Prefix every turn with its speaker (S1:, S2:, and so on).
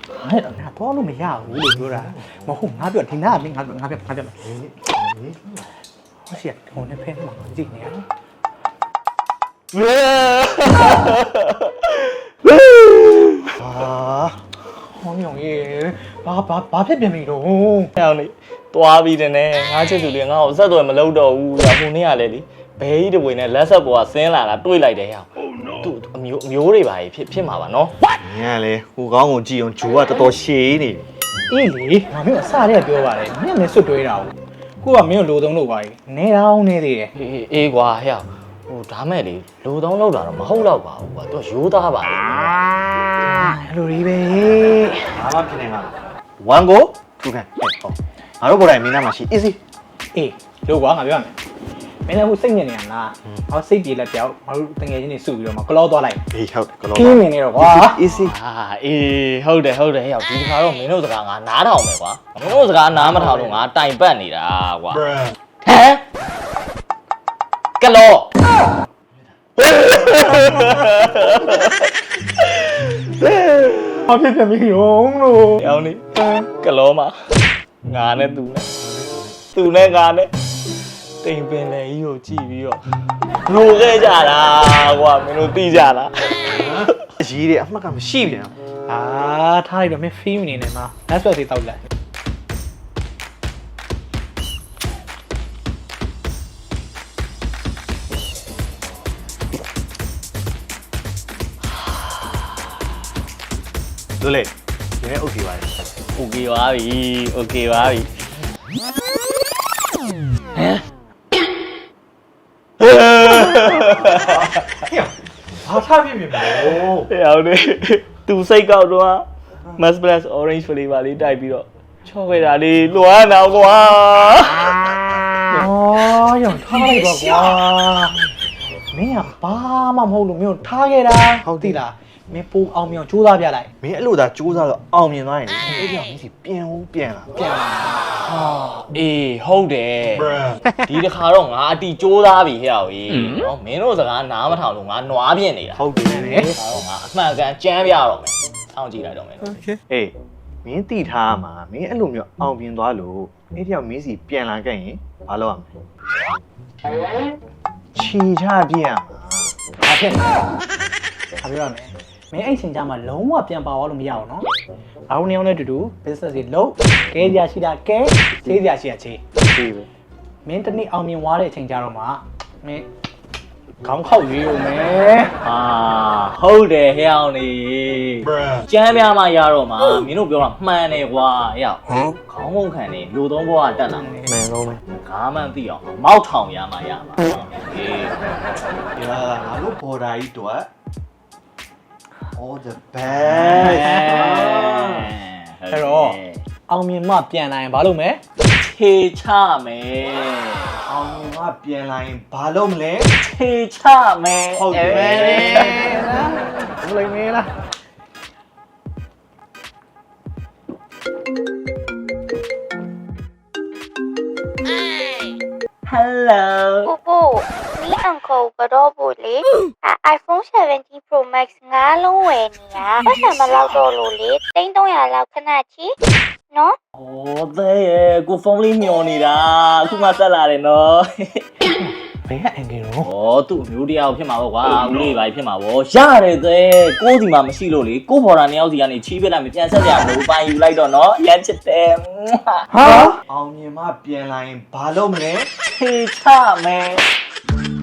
S1: အဲ့တော့ငါတော့လို့မရဘူးလို့ပြောတာမဟုတ်ငါပြောဒီနာကမင်းငါပြောဟောရှိရဟိုနဲ့ဖဲမှာကြည့်နေရဟောညောင်ရေဘာဖြစ်ပြန်ပြီတော့ဟဲ့အောင်လေသွားပြီးတယ်နဲ့ငါချစ်သူလေးငါ့ကိုဆက်သွယ်မလုပ်တော့ဘူးဟိုနေ့ကလေလေဘဲကြီးတပွေနဲ့လက်ဆက်ပေါ်ကဆင်းလာတာတွေးလိုက်တယ်ဟဲ့သူအမျိုးတွေပါဖြစ်မှာပါနော်
S2: ငါလေဟိုကောင်းကိုကြည့်အောင်ဂျိုးကတော်တော်ရှည်နေ
S1: အေးလေငါမင်းအစတည်းကပြောပါတယ်မင်းလည်းစွတ်တွေးတာကိုကမင်းကိုလိုသုံးလို့ပါနေတော့နေသေးတယ်အေးကွာဟဲ့ဟိုဒါမဲ့လေလိုသုံးလောက်တာတော့မဟုတ်တော့ပါဘူးကွာသူရိုးသားပါလေလိုကြီးပဲ
S2: ဘာမှဖြစ်နေမှာ1 go 2 can ဟောငါတို့ကိုယ်တိုင်မင်းနာမှာရှိ easy
S1: အေးလို့ကွာငါပြောရမယ်မင်းလည်းဟိုစိတ်ညစ်နေရလားဟောစိတ်ပြေလက်ပြောက်ငါတို့တငယ်ချင်းတွေစုပြီးတော့မကလောသွားလိုက်
S2: အေးဟုတ်တယ်ကလော
S1: ခင်းနေနေတော့ကွာ
S2: easy
S1: အေးဟုတ်တယ်ဟဲ့ဒီတစ်ခါတော့မင်းတို့စကားငါနားထောင်မယ်ကွာမင်းတို့စကားနားမထောင်လို့ငါတိုင်ပတ်နေတာကွာဟမ်ကလောဘာဖြစ်ပြန်ပြီရောလို့အောင်နေကလောမှာငါနဲ့သူနဲ့ငါနဲ့တိမ်ပင်လေကြီးကိုကြည့်ပြီးတော့လိုခဲ့ကြတာကွာမင်းတို့သိကြလား
S2: အရေးတွေအမှတ်ကမရှိပြန်
S1: ထားလိုက်တော့မင်းဖီးမနေနဲ့မှာလက်ဆွဲသေးတောက်လိုက်
S2: တို့လေဒီနေ့ okay ပါပြီ
S1: okay ပါပြီဟမ်ဘာထားပြပြီမို့ဟဲ့အောင်နေသူစိတ်ကောက်တော့ Mass Plus Orange Flavor လေးတိုက်ပြီးတော့ချော့ခဲ့တာလေးလွှမ်းတော့ကွာရောထားလိုက်ပါကွာမင်းကဘာမှမဟုတ်လို့မင်းထားခဲ့တာဟုတ်သိလားမင်းပိုးအောင်မြောင်ကြိုးစားပြလိုက်
S2: မင်းအဲ့လိုသာကြိုးစားတော့အောင်မြင်သွားရင်အဲ့ဒီအောင်မင်းစီပြန်လာ
S1: အေးဟုတ်တယ်ဒီတစ်ခါတော့ငါအတီကြိုးစားပြီဟဲ့အောင်ကြီးနော်မင်းတို့စကားနားမထောင်လို့ငါနွားပြင်းနေတာ
S2: ဟုတ်တယ်လေ
S1: ငါအမှန်ကန်ကြမ်းပြတော့မယ်စောင့်ကြည့်လိုက်တော့မယ်
S2: โอเคအေးမင်းတိထားမှာမင်းအဲ့လိုမျိုးအောင်မြင်သွားလို့အဲ့ဒီအောင်မင်းစီပြန်လာခဲ့ရင်ဘာလုပ်ရမလဲချီချပြရမှာ
S1: ဘာဖြစ်လဲဘာပြောရမလဲမင်းအဲ့ချိန်ကျမှလုံးဝပြန်ပါသွားလို့မရအောင်နော်အားလုံးနေအောင်နဲ့တူ business တွေလုပ်ကဲစရာရှိတာကဲချေးစရာရှိတာချေး
S2: ပြီပဲ
S1: မင်းတနေ့အောင်မြင်သွားတဲ့အချိန်ကျတော့မှမင်းခေါင်းခောက်ရွေးရုံပဲဟုတ်တယ်ဟဲ့အောင်နေကျမ်းပြမှရတော့မှမင်းတို့ပြောတာမှန်တယ်ကွာဟဲ့ခေါင်းမုံခံနေလူသုံးဘောကတက်လာမယ်
S2: မှန်တော့မယ်
S1: ငါမှန်သိအောင်မောက်ထောင်ရမှာအေး
S2: ငါတို့ဘော်ဒါကြီးတော့ all the best
S1: အဲ့တော့အောင်မြင်မှပြန်လာရင်ဘာလုပ်မလဲခြေချမယ်
S2: အောင်မြင်မှပြန်လာရင်ဘာလုပ်မလဲ
S1: ခြေချမယ်
S2: ဟုတ်တယ်ဘယ်
S1: လိုလဲလားHello
S3: ပို့မီးအန်ကိုကတော့ပို့လေ iPhone 17 Pro Max ငါးလုံးဝယ်နေတာပတ်စံမလောက်တော့လို့လေ300လောက်ခဏချီနော်
S1: ဩတဲ့ရဲ့ကိုဖုန်းလေးမျောနေတာအခုမှဆက်လာတယ်နော်ဘယ်ကအင်ဂျင်ရောသူ့အမျိုးတရားဖြစ်မှာပေါ့ကွာဦးလေးပါဖြစ်မှာပေါ့ရတယ်တဲ့ကိုစီမှာမရှိလို့လေကိုဘော်ဒါနှစ်ယောက်စီကနေချီးပစ်လိုက်မပြန်ဆက်ကြဘူးပိုင်ယူလိုက်တော့နော်ရမ်းချစ်တယ်
S2: အောင်မြင်မှပြန်လာရင်ဘာလုပ်မလဲ
S1: ခြေချမယ်